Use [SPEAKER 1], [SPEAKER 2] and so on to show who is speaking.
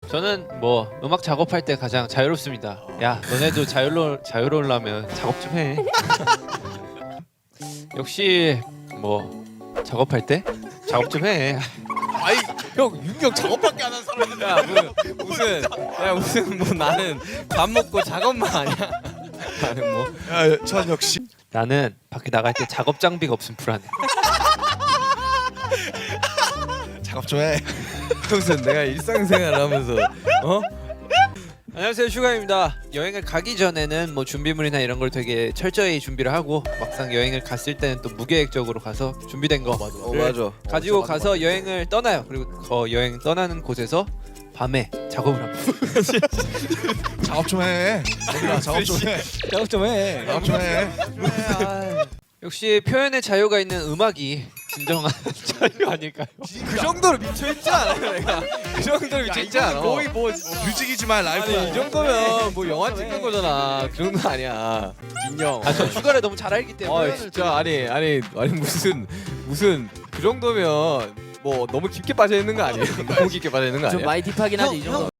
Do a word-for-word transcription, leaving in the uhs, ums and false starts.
[SPEAKER 1] 저는 뭐 음악 작업할 때 가장 자유롭습니다. 야, 너네도 자유로 자유로우려면 작업 좀 해. 역시 뭐 작업할 때 작업 좀 해.
[SPEAKER 2] 아이 형 윤경 작업밖에 안 하는 사람인데.
[SPEAKER 3] 야 무슨 무슨 야 무슨 뭐 나는 밥 먹고 작업만 하냐? 나는 뭐
[SPEAKER 2] 야전 역시
[SPEAKER 1] 나는 밖에 나갈 때 작업 장비가 없으면 불안해.
[SPEAKER 2] 작업 좀 해.
[SPEAKER 3] 무슨 내가 일상생활 하면서 어?
[SPEAKER 1] 안녕하세요, 슈가입니다. 여행을 가기 전에는 뭐 준비물이나 이런 걸 되게 철저히 준비를 하고 막상 여행을 갔을 때는 또 무계획적으로 가서 준비된 거
[SPEAKER 3] 어 맞아.
[SPEAKER 1] 가지고 가서 여행을 떠나요. 그리고 그 여행 떠나는 곳에서 밤에 작업을 합니다.
[SPEAKER 2] 작업 좀 해. 얘들아 작업 좀 해.
[SPEAKER 3] 작업 좀 해.
[SPEAKER 2] 작업 좀 해.
[SPEAKER 1] 역시 표현의 자유가 있는 음악이 진정한 자유 아닐까요?
[SPEAKER 3] 그 정도로 미쳐 있지 않아 내가. 그 정도로 미쳐 있지 않아.
[SPEAKER 2] 거의 뭐 뮤직이지만 라이브.
[SPEAKER 3] 아니 이 정도면 뭐 영화 찍는 거잖아. 그 정도 아니야. 인형.
[SPEAKER 1] 아, 저 슈가를 너무 잘 알기 때문에.
[SPEAKER 3] 아 진짜 아니 아니 아니 무슨 무슨 그 정도면 뭐 너무 깊게 빠져 있는 거 아니에요? 너무 깊게 빠져 있는 거 아니에요?
[SPEAKER 4] 좀 많이 딥하긴 하지 이 정도.